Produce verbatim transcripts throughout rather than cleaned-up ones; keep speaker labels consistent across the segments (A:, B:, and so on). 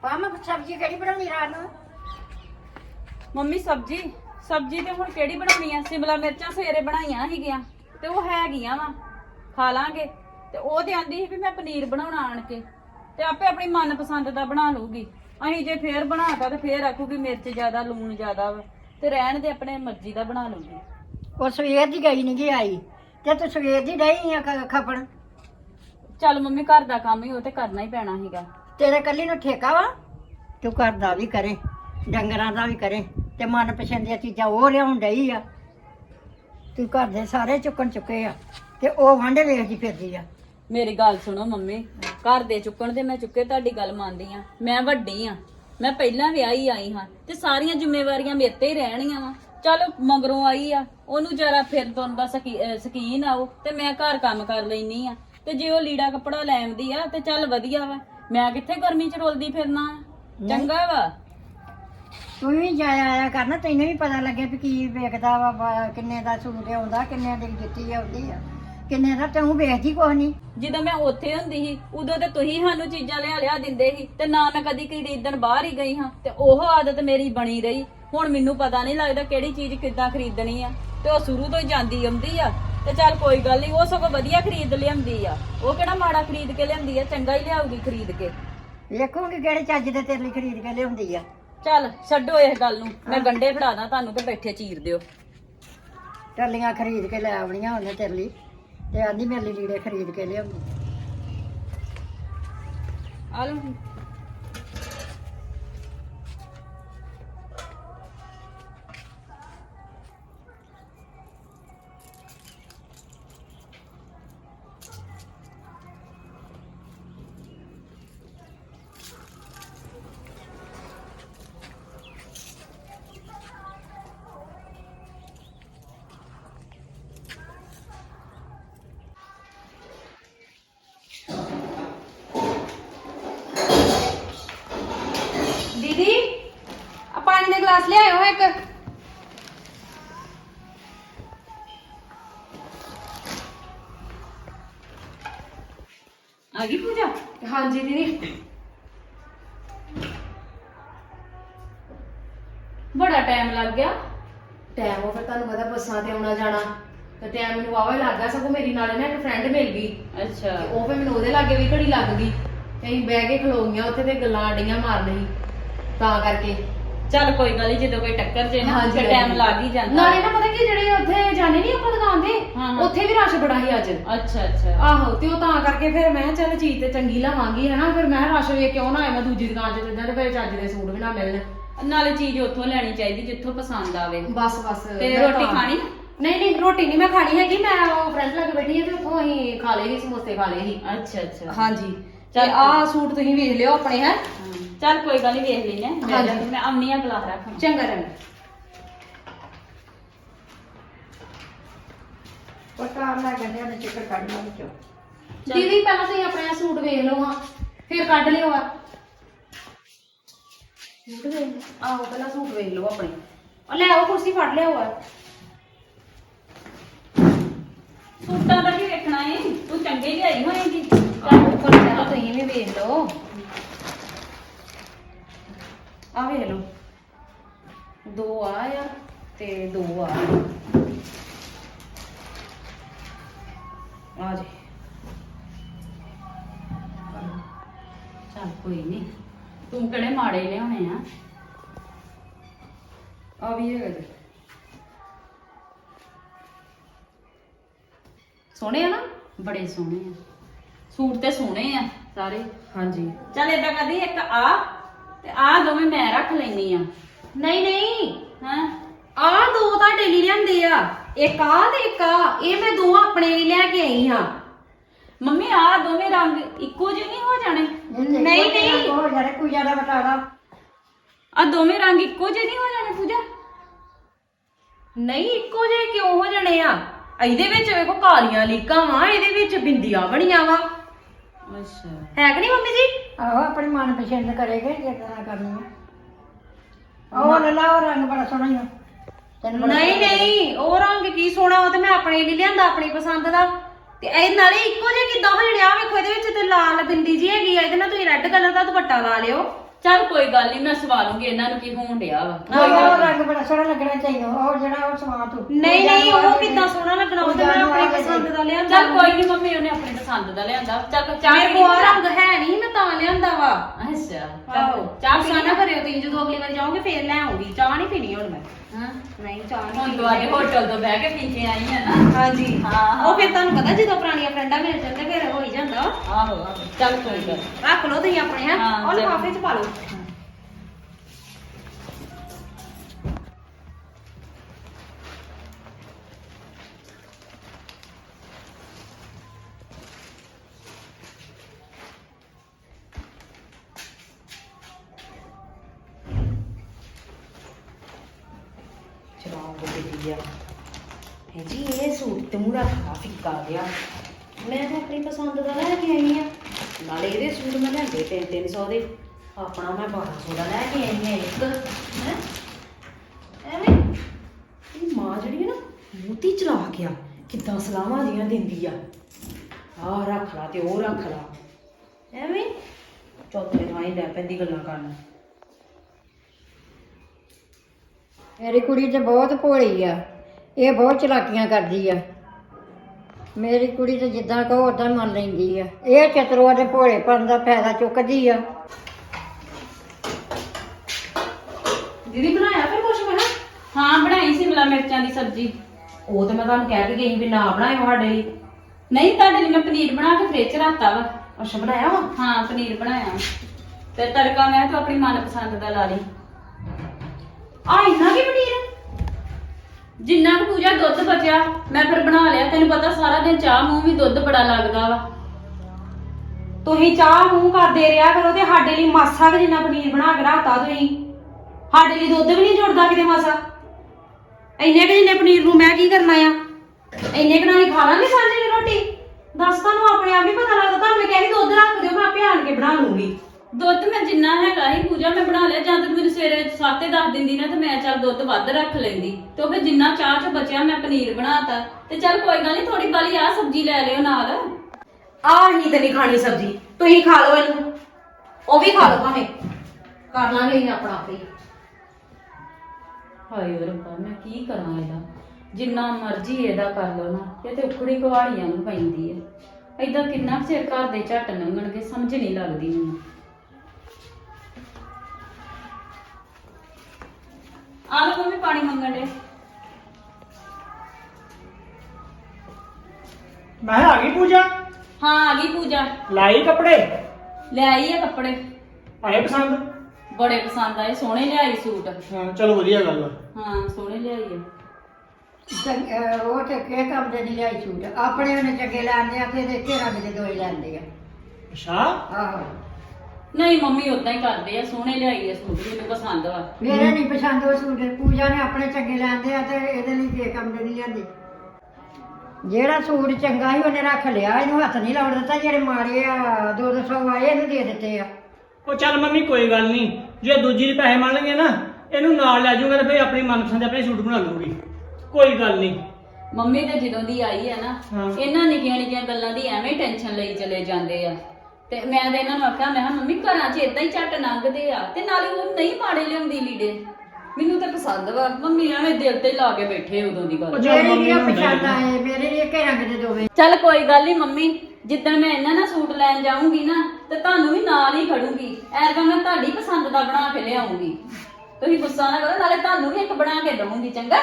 A: ਪਾ ਮੈਂ ਸਬਜ਼ੀ ਕਿਹੜੀ ਬਣਾਉਣੀ ਰਾਤ ਨੂੰ?
B: ਮੰਮੀ ਸਬਜ਼ੀ ਸਬਜ਼ੀ ਤੇ ਹੁਣ ਕਿਹੜੀ ਬਣਾਉਣੀ ਆ? ਸ਼ਿਮਲਾ ਮਿਰਚਾਂ ਸਵੇਰੇ ਬਣਾਈਆਂ ਸੀਗੀਆਂ ਤੇ ਉਹ ਹੈਗੀਆਂ ਵਾ, ਖਾ ਲਾਂਗੇ। ਤੇ ਉਹ ਤੇ ਆਂਦੀ ਸੀ ਵੀ ਮੈਂ ਪਨੀਰ ਬਣਾਉਣਾ ਆਣ ਕੇ, ਤੇ ਆਪੇ ਆਪਣੀ ਮਨਪਸੰਦ ਦਾ ਬਣਾ ਲੂਗੀ। ਅਸੀਂ ਜੇ ਫੇਰ ਬਣਾਤਾ ਤੇ ਫੇਰ ਆਖੂਗੀ ਮਿਰਚ ਜ਼ਿਆਦਾ, ਲੂਣ ਜ਼ਿਆਦਾ ਵਾ, ਤੇ ਰਹਿਣ ਦੇ ਆਪਣੇ ਮਰਜ਼ੀ ਦਾ ਬਣਾ ਲੂਗੀ।
A: ਉਹ ਸਵੇਰ ਦੀ ਗਈ ਨਹੀਂ ਗਈ ਆਈ ਤੇ ਤੂੰ ਸਵੇਰ ਦੀ ਡਈ ਆ ਖ- ਖਪਣ।
B: ਚੱਲ ਮੰਮੀ ਘਰ ਦਾ ਕੰਮ ਹੀ ਉਹ ਤੇ ਕਰਨਾ ਹੀ ਪੈਣਾ ਸੀਗਾ।
A: ਤੇਰੇ ਕੱਲੀ ਨੂੰ ਠੇਕਾ ਵਾ? ਤੂੰ ਘਰ ਦਾ ਵੀ ਕਰੇ, ਡੰਗਰਾਂ ਦਾ ਵੀ ਕਰੇ, ਤੇ ਮਨਪਸੰਦ ਦੀਆਂ ਚੀਜ਼ਾਂ ਉਹ ਲਿਆਉਣ ਡਈ ਆ। ਤੂੰ ਘਰ ਦੇ ਸਾਰੇ ਚੁੱਕਣ ਚੁੱਕੇ ਆ ਤੇ ਉਹ ਵਾਂਢੇ ਵੇਖਦੀ ਫਿਰਦੀ ਆ।
B: ਮੇਰੀ ਗੱਲ ਸੁਣੋ ਮੰਮੀ, ਘਰ ਦੇ ਚੁੱਕਣ ਤੇ ਮੈਂ ਚੁੱਕੇ, ਤੁਹਾਡੀ ਗੱਲ ਮੰਨਦੀ ਆ। ਮੈਂ ਵੱਡੀ ਆ, ਮੈਂ ਪਹਿਲਾਂ ਵਿਆਹੀ ਆਈ ਹਾਂ ਤੇ ਸਾਰੀਆਂ ਜ਼ਿੰਮੇਵਾਰੀਆਂ ਮੇਰੇ ਤੇ ਹੀ ਰਹਿਣੀਆਂ ਵਾ। ਚੱਲ ਮਗਰੋਂ ਆਈ ਆ, ਉਹਨੂੰ ਜਰਾ ਫਿਰ ਤੋਂ ਦਾ ਸਕੀਨ ਆਓ ਤੇ ਮੈਂ ਘਰ ਕੰਮ ਕਰ ਲੈਣੀ ਆ। ਤੇ ਜੇ ਉਹ ਲੀੜਾ ਕੱਪੜਾ ਲੈ ਆਉਂਦੀ ਆ ਤੇ ਚੱਲ ਵਧੀਆ ਵਾ, ਮੈਂ ਕਿੱਥੇ ਗਰਮੀ ਚ ਰੋਲਦੀ ਫਿਰਨਾ। ਚੰਗਾ ਵਾ
A: ਤੂੰ ਵੀ ਜਾਇਆ ਆਇਆ ਕਰਨਾ, ਤੈਨੂੰ ਵੀ ਪਤਾ ਲੱਗੇ ਵੀ ਕੀ ਵੇਖਦਾ ਵਾ, ਵਾ, ਕਿੰਨੇ ਦਾ ਸੂਟ ਆਉਂਦਾ, ਕਿੰਨੇ ਦੀ ਜੁੱਤੀ ਆਉਂਦੀ ਆ, ਕਿੰਨੇ ਦਾ। ਤੂੰ ਵੇਖਦੀ ਕੁਛ ਨਹੀਂ।
B: ਜਦੋਂ ਮੈਂ ਉੱਥੇ ਹੁੰਦੀ ਸੀ ਉਦੋਂ ਤੇ ਤੁਸੀਂ ਸਾਨੂੰ ਚੀਜ਼ਾਂ ਲਿਆ ਲਿਆ ਦਿੰਦੇ ਸੀ, ਤੇ ਨਾ ਮੈਂ ਕਦੀ ਖਰੀਦਣ ਬਾਹਰ ਹੀ ਗਈ ਹਾਂ, ਤੇ ਉਹ ਆਦਤ ਮੇਰੀ ਬਣੀ ਰਹੀ। ਹੁਣ ਮੈਨੂੰ ਪਤਾ ਨਹੀਂ ਲੱਗਦਾ ਕਿਹੜੀ ਚੀਜ਼ ਕਿੱਦਾਂ ਖਰੀਦਣੀ ਆ, ਤੇ ਉਹ ਸ਼ੁਰੂ ਤੋਂ ਹੀ ਜਾਂਦੀ ਆਉਂਦੀ ਆ। ਤੇ ਚੱਲ ਕੋਈ ਗੱਲ ਨਹੀਂ, ਉਹ ਸਗੋਂ ਵਧੀਆ ਖਰੀਦ ਲਿਆਉਂਦੀ ਆ। ਉਹ ਕਿਹੜਾ ਮਾੜਾ ਖਰੀਦ ਕੇ ਲਿਆਉਂਦੀ ਆ, ਚੰਗਾ ਹੀ ਲਿਆਉਗੀ ਖਰੀਦ ਕੇ।
A: ਵੇਖੂਗੀ ਕਿਹੜੇ ਚੱਜ ਦੇ ਤੇਰੇ ਲਈ ਖਰੀਦ ਕੇ ਲਿਆਉਂਦੀ ਆ।
B: ਚੱਲ ਛੱਡੋ ਇਸ ਗੱਲ ਨੂੰ, ਮੈਂ ਗੰਡੇ ਫੜਾ ਦਾਂ ਤੁਹਾਨੂੰ ਤੇ ਬੈਠੇ ਚੀਰ ਦਿਓ।
A: ਟੱਲੀਆਂ ਖਰੀਦ ਕੇ ਲੈ ਆਉਣੀਆਂ ਉਹਨੇ ਤੇਰੇ ਲਈ, ਤੇ ਆਂਦੀ ਮੇਰੇ ਲਈ ਲੀੜੇ ਖਰੀਦ ਕੇ ਲਿਆਉਂਦੀ।
B: ਆ ਲਓ।
C: दीदी आ पानी का गिलास ले आयो एक।
B: आ गई पूजा?
C: हाँ जी दीदी।
B: बड़ा टाइम लग गया।
C: टाइम हो फिर तुहानू पता बसां ते आउणा जाना, ते टाइम मैनू वावा लग गया। सगों मेरी नाले ना एक फ्रेंड मिल गई,
B: अच्छा
C: ते ਉਹ ਫਿਰ ਮੈਨੂੰ ਉਹਦੇ ਲਾਗੇ ਵੀ ਘੜੀ ਲੱਗ ਗਈ। ਅਸੀਂ ਬਹਿ ਕੇ ਖਲੋ ਗਈਆਂ ਉੱਥੇ ਤੇ ਗੱਲਾਂ ਆਡੀਆਂ ਮਾਰਨ ਸੀ, ਤਾਂ ਕਰਕੇ।
B: ਚੱਲ ਕੋਈ ਗੱਲ ਨਹੀਂ, ਜਦੋਂ ਕੋਈ ਟੱਕਰ ਜੇ ਨਾ
C: ਹਾਂਜੀ,
B: ਫਿਰ ਟਾਈਮ
C: ਹਾਂਜੀ।
B: ਲੱਗ ਹੀ ਜਾਂਦਾ।
C: ਨਾਲੇ ਨਾ ਪਤਾ ਕੀ, ਜਿਹੜੇ ਉੱਥੇ ਜਾਣੇ ਨਹੀਂ ਆਪਾਂ ਦੁਕਾਨ ਤੇ,
B: ਹਾਂ, ਹਾਂ।
C: ਉੱਥੇ ਵੀ ਰਸ਼ ਬੜਾ ਸੀ ਅੱਜ।
B: ਅੱਛਾ ਅੱਛਾ।
C: ਆਹੋ, ਤੇ ਉਹ ਤਾਂ ਕਰਕੇ ਫਿਰ ਮੈਂ ਕਿਹਾ ਚੱਲ ਚੀਜ਼ ਤੇ ਚੰਗੀ ਲਵਾਂਗੀ ਹਨਾ। ਫਿਰ ਮੈਂ ਰਸ਼ ਵੇਖ ਕਿਉਂ ਨਾ ਆਇਆ, ਮੈਂ ਦੂਜੀ ਦੁਕਾਨ 'ਚ ਜਿੱਦਾਂ ਤੇ ਫਿਰ ਚੱਜ ਦੇ ਸੂਟ ਵੀ ਨਾ ਮਿਲਣ।
B: ਨਾਲੇ ਚੀਜ਼ ਉੱਥੋਂ ਲੈਣੀ ਚਾਹੀਦੀ ਜਿੱਥੋਂ ਪਸੰਦ ਆਵੇ।
C: ਬਸ ਬਸ।
B: ਤੇ
C: ਮੈਂ
B: ਰੋਟੀ
C: ਤਾਂ-
B: ਖਾਣੀ?
C: ਨਹੀਂ ਨਹੀਂ, ਰੋਟੀ ਨਹੀਂ ਮੈਂ ਖਾਣੀ ਹੈਗੀ। ਮੈਂ ਉਹ ਫਰੈਂਡ ਲੱਗ ਬੈਠੀ ਹਾਂ ਤੇ ਉੱਥੋਂ ਅਸੀਂ ਖਾ ਲਏ ਸੀ, ਸਮੋਸੇ ਖਾ ਲਏ ਸੀ।
B: ਅੱਛਾ ਅੱਛਾ।
C: ਹਾਂਜੀ।
B: ਚੱਲ
C: ਚੱਲ ਆਹ ਸੂਟ ਤੁਸੀਂ ਵੇਖ ਲਿਓ ਆਪਣੇ ਹੈ।
B: ਚੱਲ ਕੋਈ ਗੱਲ ਨਹੀਂ, ਵੇਖ ਲੈਨੇ।
C: ਹਾਂਜੀ।
B: ਮੈਂ ਆਉਣੀ ਆ ਗਲਾਸ ਰੱਖ।
C: ਚੰਗਾ ਚੰਗਾ।
A: ਪਟਾਰ ਲੈ ਗੰਡਿਆਂ ਦੇ ਚਿੱਕੜ ਕੱਢ ਲਾ ਵਿੱਚੋਂ।
C: ਦੀਦੀ ਪਹਿਲਾਂ ਤੁਸੀਂ ਆਪਣੇ ਆਹ ਸੂਟ ਵੇਖ ਲਓ ਹਾਂ, ਫਿਰ ਕੱਢ ਲਿਓ ਆ ਸੂਟ ਵੇਖ ਲਓ। ਆਹੋ ਪਹਿਲਾਂ ਸੂਟ ਵੇਖ ਲਓ ਆਪਣੇ। ਉਹ ਲੈ ਆਓ ਕੁਰਸੀ ਫੜ ਲਿਆਓ ਆ।
B: ਸੂਟਾਂ ਦਾ ਕੀ ਵੇਖਣਾ ਏ, ਤੂੰ ਚੰਗੇ ਲਿਆਈ ਹੋਏਗੀ।
C: ਆਹੋ ਪਰ ਪਹਿਲਾਂ ਤੁਸੀਂ ਵੀ ਵੇਖ ਲਓ। ਆ ਵੇਖ ਲਓ, ਦੋ ਆ ਆ ਤੇ ਦੋ ਆ ਆ ਜੀ।
B: ਚੱਲ ਕੋਈ ਨਹੀਂ, ਤੂੰ ਕਿਹੜੇ ਮਾੜੇ ਲਿਆਉਣੇ ਆ।
C: ਆ ਵੀ ਹੈਗਾ ਜੀ, ਸੋਹਣੇ ਆ ਨਾ?
B: ਬੜੇ ਸੋਹਣੇ ਆ ਸੂਟ, ਤੇ ਸੋਹਣੇ ਆ ਸਾਰੇ।
C: ਹਾਂਜੀ।
B: ਚੱਲ ਏਦਾਂ ਕਰਦੀ, ਇੱਕ ਆ ਤੇ ਆ ਦੋਵੇਂ ਮੈਂ ਰੱਖ ਲੈਣੀ ਆ।
C: ਨਹੀਂ ਨਹੀਂ,
B: ਹਾਂ
C: ਆ ਦੋ ਤੁਹਾਡੇ ਲਈ ਲਿਆਂਦੇ ਆ, ਇੱਕ ਆ ਤੇ ਇੱਕ ਆ। ਇਹ ਮੈਂ ਦੋ ਆਪਣੇ ਲਈ ਲੈ ਕੇ ਆਈ ਹਾਂ।
B: ਮੰਮੀ ਆ ਦੋਵੇਂ ਰੰਗ ਇੱਕੋ ਜਿਹੇ ਨਹੀਂ ਹੋ ਜਾਣੇ?
A: ਨਹੀਂ
C: ਨਹੀਂ।
A: ਉਹ ਜਿਹੜੇ ਪੂਜਾ ਦਾ ਬਟਾੜਾ,
B: ਆ ਦੋਵੇਂ ਰੰਗ ਇੱਕੋ ਜਿਹੇ ਨਹੀਂ ਹੋ ਜਾਣੇ ਪੂਜਾ?
C: ਨਹੀਂ, ਇੱਕੋ ਜਿਹੇ ਕਿਉਂ ਹੋ ਜਾਣੇ ਆ? ਇਹਦੇ ਵਿੱਚ ਵੇਖੋ ਕਾਲੀਆਂ ਲੀਕਾਂ ਵਾ, ਇਹਦੇ ਵਿੱਚ ਬਿੰਦੀਆਂ ਬਣੀਆਂ ਵਾ।
B: ਅੱਛਾ
C: ਹੈ ਕਿ ਨਹੀਂ ਮੰਮੀ ਜੀ?
A: ਆਹੋ ਆਪਣੀ ਮਨਪਸੰਦ ਕਰੇਗੇ ਜਿੱਦਾਂ ਕਰਨੀ ਆ। ਉਹ ਲੈ ਲਾ, ਉਹ ਰੰਗ ਬੜਾ ਸੋਹਣਾ ਹੀ ਆ। ਤੈਨੂੰ ਬੜਾ
C: ਨਹੀਂ
A: ਸੋਹਣਾ
C: ਨਹੀਂ, ਉਹ ਰੰਗ ਕੀ ਸੋਹਣਾ, ਉਹ ਤੇ ਮੈਂ ਆਪਣੇ ਲਈ ਲਿਆਂਦਾ, ਆਪਣੀ ਪਸੰਦ ਦਾ। ਤੇ ਇਹ ਨਾਲੇ ਇੱਕੋ ਜਿਹਾ ਕਿੱਦਾਂ ਹੋ ਜੜਿਆ? ਵੇਖੋ ਇਹਦੇ ਵਿੱਚ ਤੇ ਲਾਲ ਬਿੰਦੀ ਜੀ ਹੈਗੀ ਆ, ਇਹਦੇ ਨਾਲ ਤੁਸੀਂ ਰੈੱਡ ਕਲਰ ਦਾ ਦੁਪੱਟਾ ਲਾ ਲਿਓ।
B: ਚੱਲ ਕੋਈ ਗੱਲ ਨਹੀਂ, ਮੈਂ ਸਵਾ ਲੂੰਗੀ, ਇਹਨਾਂ ਨੂੰ ਕੀ ਹੋਣ ਡਿਆ ਵਾ। ਕੋਈ
A: ਉਹ
B: ਗੱਲ ਨੀ।
A: ਰੰਗ ਬੜਾ ਸੋਹਣਾ ਲੱਗਣਾ ਚਾਹੀਦਾ, ਉਹ ਜਿਹੜਾ ਉਹ ਸਵਾ ਤੂੰ
C: ਨਹੀਂ ਨਹੀਂ ਉਹ ਕਿੱਦਾਂ ਸੋਹਣਾ ਲੱਗਣਾ, ਉਹ ਤੇ ਮੈਂ ਆਪਣੀ ਪਸੰਦ ਦਾ ਲਿਆਂਦਾ।
B: ਚੱਲ ਕੋਈ ਨਹੀਂ ਮੰਮੀ, ਉਹਨੇ ਆਪਣੀ ਪਸੰਦ ਦਾ ਲਿਆਂਦਾ। ਚੱਲ ਚਾਹ
C: ਮੇਰੇ
B: ਪੀ
C: ਕੋਲ
B: ਲਈ?
C: ਰੰਗ ਹੈ ਨਹੀਂ, ਮੈਂ ਤਾਂ ਲਿਆਂਦਾ ਵਾ।
B: ਅੱਛਾ
C: ਆਹੋ
B: ਚੱਲ ਚਾਹ ਪੀ
C: ਨਾ
B: ਲਈ?
C: ਕਰਿਓ ਤੁਸੀਂ, ਜਦੋਂ ਅਗਲੀ ਵਾਰ ਜਾਓਗੇ ਫੇਰ ਲੈ ਆਉਂਗੀ। ਚਾਹ ਨਹੀਂ ਪੀਣੀ ਹੁਣ ਮੈਂ।
B: ਹਾਂ
C: ਨਹੀਂ ਚਾਹ
B: ਹੁਣ
C: ਨਹੀਂ
B: ਦੁਆਰੇ ਹੋਟਲ ਤੋਂ ਬਹਿ ਕੇ ਪੀ ਕੇ ਆਈ ਆ ਨਾ।
C: ਹਾਂਜੀ
B: ਹਾਂ, ਹਾਂ।
C: ਉਹ ਫਿਰ ਤੁਹਾਨੂੰ ਪਤਾ ਜਦੋਂ ਪੁਰਾਣੀਆਂ ਫਰੈਂਡਾਂ ਮਿਲ ਜਾਂਦੇ ਫਿਰ ਹੋ ਹੀ ਜਾਂਦਾ।
B: ਆਹੋ ਆਹੋ ਚੱਲ ਕੋਈ ਗੱਲ ਨੀ।
C: ਰੱਖ ਲਓ ਤੁਸੀਂ ਆਪਣੇ ਹੈ,
B: ਹਾਂ,
C: ਉਹ
B: ਚੱਲ।
C: ਲਿਫਾਫੇ 'ਚ ਪਾ ਲਓ। ਚਲਾਉਂ ਬੋਲੀ ਆ ਹੈ ਜੀ, ਇਹ ਸੂਟ ਤੇ ਮੂਰਾ ਖਾ ਫਿੱਕਾ ਗਿਆ। ਮੈਂ ਤਾਂ ਆਪਣੀ ਪਸੰਦ ਦਾ ਲੈ ਕੇ ਆਈ ਆ, ਨਾਲੇ ਇਹਦੇ ਸੂਟ ਮੈਂ ਲਿਆਂਦੇ ਤਿੰਨ ਤਿੰਨ ਸੌ ਦੇ, ਆਪਣਾ ਮੈਂ ਬਾਰਾਂ ਸੌ ਦਾ ਲੈ ਕੇ ਆਈ ਆ ਇੱਕ। ਹੈ ਐਵੇਂ ਇਹ ਮਾਂ ਜਿਹੜੀ ਹੈ ਨਾ ਮੂਤੀ ਚਲਾ ਗਿਆ, ਕਿੱਦਾਂ ਸਲਾਹਾਂ ਜੀਆਂ ਦਿੰਦੀ ਆ, ਆਹ ਰੱਖ ਲਾ ਤੇ ਉਹ ਰੱਖ ਲਾ, ਐਵੇਂ ਚੌਥੇ ਥਾਂ ਹੀ ਲੈ ਪੈਂਦੀ ਗੱਲਾਂ ਕਰਨ।
A: ਮੇਰੀ ਕੁੜੀ ਤੇ ਬਹੁਤ ਭੋਲੀ ਆ, ਇਹ ਬਹੁਤ ਚਲਾਕੀਆਂ ਕਰਦੀ ਆ। ਮੇਰੀ ਕੁੜੀ ਤੇ ਜਿੱਦਾਂ ਕਹੋ ਉਦਾਂ ਮੰਨ ਲੈਂਦੀ ਆ, ਇਹ ਚਤਰੋਆ ਦੇ ਭੋਲੇਪਨ ਦਾ ਫਾਇਦਾ ਚੁੱਕਦੀ ਆ।
C: ਦੀਦੀ ਬਣਾਇਆ ਫਿਰ ਕੁਛ ਮੈਂ?
B: ਹਾਂ ਬਣਾਈ ਸ਼ਿਮਲਾ ਮਿਰਚਾਂ ਦੀ ਸਬਜ਼ੀ।
C: ਉਹ ਤੇ ਮੈਂ ਤੁਹਾਨੂੰ ਕਹਿ ਕੇ ਗਈ ਵੀ ਨਾ ਬਣਾਇਓ ਸਾਡੇ ਲਈ।
B: ਨਹੀਂ ਤੁਹਾਡੇ ਲਈ ਮੈਂ ਪਨੀਰ ਬਣਾ ਕੇ ਫ੍ਰਿਜ 'ਚ ਰੱਖਤਾ ਵਾ।
C: ਅੱਛਾ ਬਣਾਇਆ ਵਾ?
B: ਹਾਂ ਪਨੀਰ ਬਣਾਇਆ ਤੇ ਤੜਕਾ ਮੈਂ ਤਾਂ ਆਪਣੀ ਮਨਪਸੰਦ ਦਾ ਲਾ ਲਈ।
C: ਆ ਇੰਨਾ ਕੀ ਪਨੀਰ?
B: ਜਿੰਨਾ ਕੁ ਪੂਜਾ ਦੁੱਧ ਬਚਿਆ ਮੈਂ ਫਿਰ ਬਣਾ ਲਿਆ। ਤੈਨੂੰ ਪਤਾ ਸਾਰਾ ਦਿਨ ਚਾਹ ਮੂੰਹ ਵੀ ਦੁੱਧ ਬੜਾ ਲੱਗਦਾ ਵਾ।
C: ਤੁਸੀਂ ਚਾਹ ਮੂੰਹ ਕਰਦੇ ਰਿਹਾ ਕਰੋ ਤੇ ਸਾਡੇ ਲਈ ਮਾਸਾ ਕੁ ਜਿੰਨਾ ਪਨੀਰ ਬਣਾ ਕੇ ਰੱਖਤਾ ਤੁਸੀਂ। ਸਾਡੇ ਲਈ ਦੁੱਧ ਵੀ ਨਹੀਂ ਜੁੜਦਾ ਕਿਤੇ ਮਾਸਾ। ਇੰਨੇ ਕੁ ਜਿੰਨੇ ਪਨੀਰ ਨੂੰ ਮੈਂ ਕੀ ਕਰਨਾ ਆ? ਇੰਨੇ ਕੁ ਨਾਲ ਹੀ ਖਾ ਲਾਂਗੇ ਸਾਂਝੇ ਦੀ ਰੋਟੀ। ਦੱਸ ਤੁਹਾਨੂੰ ਆਪਣੇ ਆਪ ਹੀ ਪਤਾ ਲੱਗਦਾ। ਤੁਹਾਨੂੰ ਮੈਂ ਕਹਿੰਦੀ ਦੁੱਧ ਰੱਖ ਦਿਓ, ਮੈਂ ਆਪੇ ਆਣ ਕੇ ਬਣਾ ਲੂੰਗੀ।
B: ਦੁੱਧ ਮੈਂ ਜਿੰਨਾ ਹੈਗਾ ਹੀ ਪੂਜਾ ਮੈਂ ਬਣਾ ਲਿਆ। ਜਾਂ ਤੂੰ ਮੈਨੂੰ ਸਵੇਰੇ ਸੱਤ ਦਸ ਦਿੰਦੀ ਨਾ ਤੇ ਮੈਂ ਚੱਲ ਦੁੱਧ ਵੱਧ ਰੱਖ ਲੈਂਦੀ ਤੇ ਉਹ ਫਿਰ ਜਿੰਨਾ ਚਾਹ ਚ ਬਚਿਆ ਮੈਂ ਪਨੀਰ ਬਣਾਤਾ। ਤੇ ਚੱਲ ਕੋਈ ਗੱਲ ਨਹੀਂ, ਥੋੜੀ ਬਾਲੀ ਆ ਸਬਜ਼ੀ ਲੈ ਲਿਓ ਨਾਲ।
C: ਆਹ ਹੀ ਤੇ ਨਹੀਂ ਖਾਣੀ ਸਬਜ਼ੀ, ਤੁਸੀਂ ਖਾ ਲਓ ਇਹਨੂੰ, ਉਹ ਵੀ ਖਾ ਲਓ ਭਾਵੇਂ। ਕਰ ਲਾਂਗੇ ਅਸੀਂ ਆਪਣਾ ਆਪੇ।
B: ਹਾਏ ਰੱਬਾ ਮੈਂ ਕੀ ਕਰਾਂ ਇਹਦਾ। ਜਿੰਨਾ ਮਰਜ਼ੀ ਇਹਦਾ ਕਰ ਲਓ ਨਾ, ਇਹ ਤੇ ਉਖੜੀ ਕੁਹਾੜੀਆਂ ਨੂੰ ਪੈਂਦੀ ਹੈ। ਏਦਾਂ ਕਿੰਨਾ ਕੁ ਚਿਰ ਘਰ ਦੇ ਝੱਟ ਲੰਘਣਗੇ ਸਮਝ ਨਹੀਂ ਲੱਗਦੀ ਮੈਨੂੰ। ਆ ਲਓ ਮੰਮੀ ਪਾਣੀ ਮੰਗਣ ਦੇ।
D: ਮੈਂ ਆ ਗਈ ਪੂਜਾ।
B: ਹਾਂ ਆ ਗਈ ਪੂਜਾ।
D: ਲਾਈ ਕੱਪੜੇ
B: ਲੈ ਆਈ ਆ ਕੱਪੜੇ,
D: ਆਏ ਪਸੰਦ?
B: ਬੜੇ ਪਸੰਦ ਆਏ, ਸੋਹਣੇ ਲਿਆਈ ਸੂਟ।
D: ਹਾਂ ਚਲੋ ਵਧੀਆ ਗੱਲ ਆ।
B: ਹਾਂ ਸੋਹਣੇ ਲਿਆਈ ਆ।
A: ਚੰਗ- ਅਹ ਉਹ ਤੇ ਕਿਹ ਕੰਮ ਦੇ ਨਹੀਂ ਲਿਆਈ ਸੂਟ, ਆਪਣੇ ਉਹਨੇ ਚੰਗੇ ਲੈਂਦੇ ਆ ਤੇ ਇਹਦੇ ਇੱਕੇ ਰੰਗ ਦੇ ਦੋਏ ਲੈਂਦੇ ਆ।
D: ਅੱਛਾ
A: ਆਹੋ
B: ਨਹੀਂ ਮੰਮੀ ਉਦਾਂ ਹੀ ਕਰਦੇ ਆ, ਸੋਹਣੇ ਲਿਆਈ ਆ ਸੂਟ, ਮੈਨੂੰ ਪਸੰਦ ਵਾ।
A: ਮੇਰੇ ਨਹੀਂ ਪਸੰਦ ਉਹ ਸੂਟ। ਪੂਜਾ ਨੇ ਆਪਣੇ ਚੰਗੇ ਲੈਂਦੇ ਆ ਤੇ ਇਹਦੇ ਲਈ ਕੇ ਕੰਮ ਦੇ ਨਹੀਂ ਲਿਆਂਦੇ। ਜਿਹੜਾ ਸੂਟ ਚੰਗਾ ਸੀ ਉਹਨੇ ਰੱਖ ਲਿਆ, ਇਹਨੂੰ ਹੱਥ ਨਹੀਂ ਲਾਉਣ ਦਿੱਤਾ। ਜਿਹੜੇ ਮਾਰੇ ਆ ਦੋ ਦੋ ਸੌ ਆਏ ਇਹਨੂੰ ਦੇ ਦਿੱਤੇ ਆ।
D: ਉਹ ਚੱਲ ਮੰਮੀ ਕੋਈ ਗੱਲ ਨਹੀਂ, ਜੇ ਦੂਜੀ ਦੇ ਪੈਸੇ ਮੰਗਣਗੇ ਨਾ ਇਹਨੂੰ ਨਾਲ ਲੈ ਜਾਊਗਾ ਤੇ ਫਿਰ ਆਪਣੀ ਮਨਪਸੰਦ ਦੇ ਆਪਣੇ ਸੂਟ ਬਣਾ ਲੂਗੀ। ਕੋਈ ਗੱਲ ਨਹੀਂ।
B: ਮੰਮੀ ਤੇ ਜਦੋਂ ਦੀ ਆਈ ਹੈ ਨਾ,
D: ਹਾਂ।
B: ਇਹਨਾਂ ਨਿੱਕੀਆਂ ਨਿੱਕੀਆਂ ਗੱਲਾਂ ਦੀ ਐਵੇਂ ਟੈਨਸ਼ਨ ਲਈ ਚਲੇ ਜਾਂਦੇ ਆ। ਤੇ ਮੈਂ ਤੇ ਇਹਨਾਂ ਨੂੰ ਆਖਿਆ, ਮੈਂ ਕਿਹਾ ਮੰਮੀ ਘਰਾਂ 'ਚ ਇਦਾਂ ਹੀ ਝੱਟ ਲੰਘਦੇ ਆ ਤੇ ਨਾਲੇ ਉਹ ਨਹੀਂ ਮਾੜੇ ਲਿਆਉਂਦੀ ਲੀੜੇ। ਮੈਨੂੰ ਤਾਂ ਪਸੰਦ ਵਾ। ਮੰਮੀ ਐਵੇਂ ਦਿਲ ਤੇ ਲਾ ਕੇ ਬੈਠੇ ਉਦੋਂ ਦੀ ਗੱਲ।
D: ਉਹ ਚੱਲ
A: ਮੇਰੀ
D: ਮੰਮੀ
A: ਨਹੀਂ
D: ਨੂੰ ਹੁੰਦਾ ਹੀ
A: ਪਸੰਦ
D: ਆ।
A: ਆਏ, ਮੇਰੇ ਲਈ ਇੱਕੇ ਰੰਗ ਦੇ ਦੋਵੇਂ।
B: ਚੱਲ ਕੋਈ ਗੱਲ ਨਹੀਂ ਮੰਮੀ, ਜਿੱਦਣ ਮੈਂ ਇਹਨਾਂ ਨਾਲ ਸੂਟ ਲੈਣ ਜਾਊਂਗੀ ਨਾ ਤੇ ਤੁਹਾਨੂੰ ਵੀ ਨਾਲ ਹੀ ਖੜੂੰਗੀ। ਐਰਗਾ ਮੈਂ ਤੁਹਾਡੀ ਪਸੰਦ ਦਾ ਬਣਾ ਕੇ ਲਿਆਉਂਗੀ। ਤੁਸੀਂ ਗੁੱਸਾ ਨਾ ਕਰੋ, ਨਾਲੇ ਤੁਹਾਨੂੰ ਵੀ ਇੱਕ ਬਣਾ ਕੇ ਦਵਾਂਗੀ। ਚੰਗਾ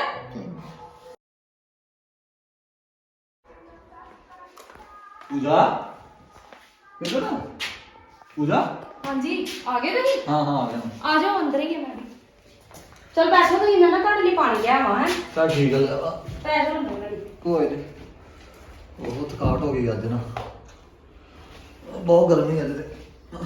E: ਪੂਜਾ ਕਿੱਧਰ ਆ? ਪੂਜਾ
C: ਹਾਂਜੀ ਆ ਗਏ ਤੁਸੀਂ?
E: ਹਾਂ ਹਾਂ ਆ ਗਿਆ।
C: ਆ ਜਾਓ, ਅੰਦਰ ਹੀ ਹੈ ਮੈਂ ਵੀ। ਚਲ ਬੈਠੋ ਤੁਸੀਂ, ਮੈਂ ਨਾ ਤੁਹਾਡੇ ਲਈ ਪਾਣੀ ਲਿਆਵਾਂ। ਹੈ
E: ਚੱਲ ਠੀਕ ਆ।
C: ਬੈਠੋ ਅੰਦਰ ਮੇਰੀ।
E: ਕੋਈ ਨਹੀਂ, ਉਹ ਥਕਾਵਟ ਹੋ ਗਈ ਅੱਜ ਨਾ, ਬਹੁਤ ਗਰਮੀ ਅੱਜ ਤੇ।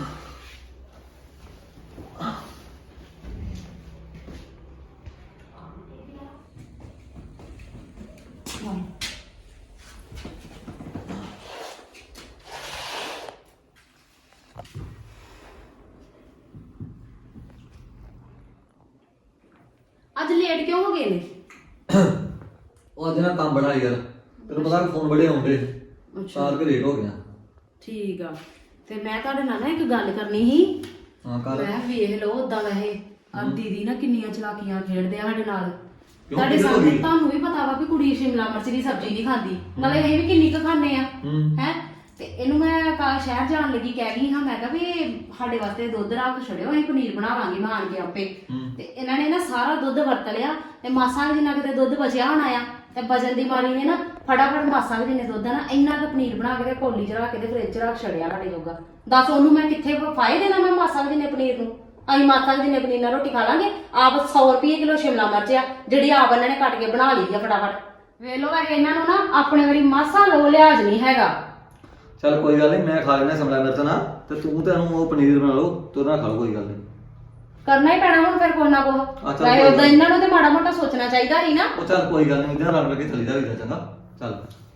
C: ਅੱਜ ਲੇਟ ਕਿਉਂ ਹੋ ਗਏ ਨੇ?
E: ਉਹ ਅੱਜ ਨਾ ਕੰਮ ਬੜਾ ਯਾਰ, ਤੈਨੂੰ ਪਤਾ ਫੋਨ ਬੜੇ ਆਉਂਦੇ ਸਾਰ ਕੇ ਲੇਟ ਹੋ ਗਿਆ।
C: ਠੀਕ ਆ। ਤੇ ਮੈਂ ਤੁਹਾਡੇ ਨਾਲ ਨਾ ਇੱਕ ਗੱਲ ਕਰਨੀ ਸੀ।
E: ਹਾਂ ਕਰ
C: ਮੈਂ ਵੇਖ ਲਓ ਉਦਾਂ ਵੈਸੇ ਆ ਦੀਦੀ ਨਾ ਕਿੰਨੀਆਂ ਚਲਾਕੀਆਂ ਖੇਡਦੇ ਆ ਸਾਡੇ ਨਾਲ
E: ਕਿਉਂ
C: ਤੁਹਾਡੇ
E: ਕਿਹਦੇ ਹੋ
C: ਸਾਹਮਣੇ
E: ਗਈ?
C: ਤੁਹਾਨੂੰ ਵੀ ਪਤਾ ਵਾ ਵੀ ਕੁੜੀ ਸ਼ਿਮਲਾ ਮਿਰਚ ਦੀ ਸਬਜ਼ੀ ਨਹੀਂ ਖਾਂਦੀ ਨਾਲੇ ਇਹ ਵੀ ਕਿੰਨੀ ਕੁ ਖਾਂਦੇ ਆ
E: ਹੂੰ
C: ਹੈ ਤੇ ਇਹਨੂੰ ਮੈਂ ਕਾ ਸ਼ਹਿਰ ਜਾਣ ਲੱਗੀ ਕਹਿ ਗਈ ਹਾਂ ਮੈਂ ਕਿਹਾ ਵੀ ਸਾਡੇ ਵਾਸਤੇ ਦੁੱਧ ਰੱਖ ਛੜਿਓ ਅਸੀਂ ਪਨੀਰ ਬਣਾ ਲਾਂਗੇ ਮੈਂ ਆਣ ਕੇ ਆਪੇ
E: ਹੂੰ।
C: ਤੇ ਇਹਨਾਂ ਨੇ ਨਾ ਸਾਰਾ ਦੁੱਧ ਵਰਤ ਲਿਆ ਤੇ ਮਾਸਾ ਵੀ ਜਿੰਨਾ ਕਿਤੇ ਦੁੱਧ ਬਚਿਆ ਹੋਣਾ ਆ ਤੇ ਵਜਨ ਦੀ ਮਾਰੀ ਨੇ ਨਾ ਫਟਾਫਟ ਮਾਸਾ ਵੀ ਜਿੰਨੇ ਦੁੱਧ ਆ ਨਾ ਇੰਨਾ ਕੁ ਪਨੀਰ ਬਣਾ ਕੇ ਤੇ ਕੋਲੀ ਚ ਰੱਖ ਕੇ ਤੇ ਫ੍ਰਿਜ ਚ ਰੱਖ ਛੜਿਆ ਸਾਡੇ ਜੋਗਾ ਦੱਸ ਉਹਨੂੰ ਮੈਂ ਕਿੱਥੇ ਫਾਇਦੇ ਦੇਣਾ ਮੈਂ ਮਾਸਾ ਵੀ ਜਿੰਨੇ ਪਨੀਰ ਨੂੰ ਅਸੀਂ ਮਾਸਾ ਵੀ ਜਿੰਨੇ ਪਨੀਰ ਨਾਲ ਰੋਟੀ ਖਾ ਲਾਂਗੇ ਆਪ ਸੌ ਰੁਪਏ ਕਿਲੋ ਸ਼ਿਮਲਾ ਮਿਰਚ ਆ ਜਿਹੜੀ ਆਪ ਇਹਨਾਂ ਨੇ ਕੱਟ ਕੇ ਬਣਾ ਲਈ ਆ ਫਟਾਫਟ ਵੇਖ ਲੋ ਵੈਸੇ ਇਹਨਾਂ ਨੂੰ ਨਾ ਆਪਣੇ ਵਾਰੀ ਮਾਸਾ ਲੋ ਲਿਆਜ ਨਹੀਂ ਹੈਗਾ
E: ਚੱਲ ਕੋਈ ਗੱਲ ਨਹੀਂ ਮੈਂ ਖਾ ਲੈਣਾ ਸਮਲਾ ਮਿਰਚ ਨਾ ਤੇ ਤੂੰ ਤੇ ਇਹਨੂੰ ਉਹ ਪਨੀਰ ਬਣਾ ਲਓ ਤੇ ਉਹਦੇ ਨਾਲ ਖਾ ਲਓ ਕੋਈ ਗੱਲ ਨਹੀਂ
C: ਕਰਨਾ ਹੀ ਪੈਣਾ ਹੁਣ ਫਿਰ ਕੋਈ ਨਾ ਕੋ
E: ਅੱਛਾ,
C: ਵੈਸੇ
E: ਕੋਈ
C: ਉਦਾਂ
E: ਗੱਲ।
C: ਇਹਨਾਂ ਨੂੰ ਤੇ ਮਾੜਾ ਮੋਟਾ ਸੋਚਣਾ ਚਾਹੀਦਾ ਸੀ ਨਾ
E: ਉਹ ਚੱਲ ਕੋਈ ਗੱਲ ਨਹੀਂ ਇਹਦੇ ਨਾਲ ਰਲ ਮਿਲ ਕੇ ਚੱਲੀ ਦਾ ਵੀ ਚੰਗਾ ਚੱਲ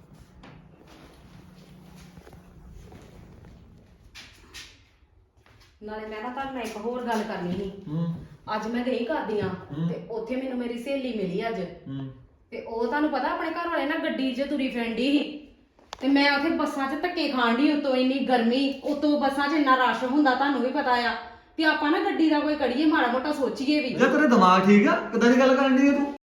C: ਨਾਲੇ ਮੈਂ ਨਾ ਤੁਹਾਨੂੰ ਨਾਲ ਇੱਕ ਹੋਰ ਗੱਲ ਕਰਨੀ ਸੀ
E: ਹੂੰ
C: ਅੱਜ ਮੈਂ ਗਈ ਕਰਦੀਆਂ
E: ਹੂੰ।
C: ਤੇ ਉੱਥੇ ਮੈਨੂੰ ਮੇਰੀ ਸਹੇਲੀ ਮਿਲੀ ਅੱਜ
E: ਹੂੰ
C: ਤੇ ਉਹ ਤੁਹਾਨੂੰ ਪਤਾ ਆਪਣੇ ਘਰ ਵਾਲੇ ਨਾ ਗੱਡੀ 'ਚ ਤੁਰੀ ਫਿਰਦੀ ਸੀ ਤੇ ਮੈਂ ਉੱਥੇ ਬੱਸਾਂ 'ਚ ਧੱਕੇ ਖਾਣ ਡਈ ਉਤੋਂ ਇੰਨੀ ਗਰਮੀ ਉਤੋਂ ਬੱਸਾਂ 'ਚ ਇੰਨਾ ਰਸ਼ ਹੁੰਦਾ ਤੁਹਾਨੂੰ ਵੀ ਪਤਾ ਆ ਤੇ ਆਪਾਂ ਨਾ ਗੱਡੀ ਦਾ ਕੋਈ ਕੜੀਏ ਮਾੜਾ ਮੋਟਾ ਸੋਚੀਏ ਵੀ
E: ਜੇ ਤੇਰੇ ਦਿਮਾਗ ਠੀਕ ਆ ਕਿਦਾਂ ਦੀ ਗੱਲ ਕਰਨ ਦੀ ਤੂੰ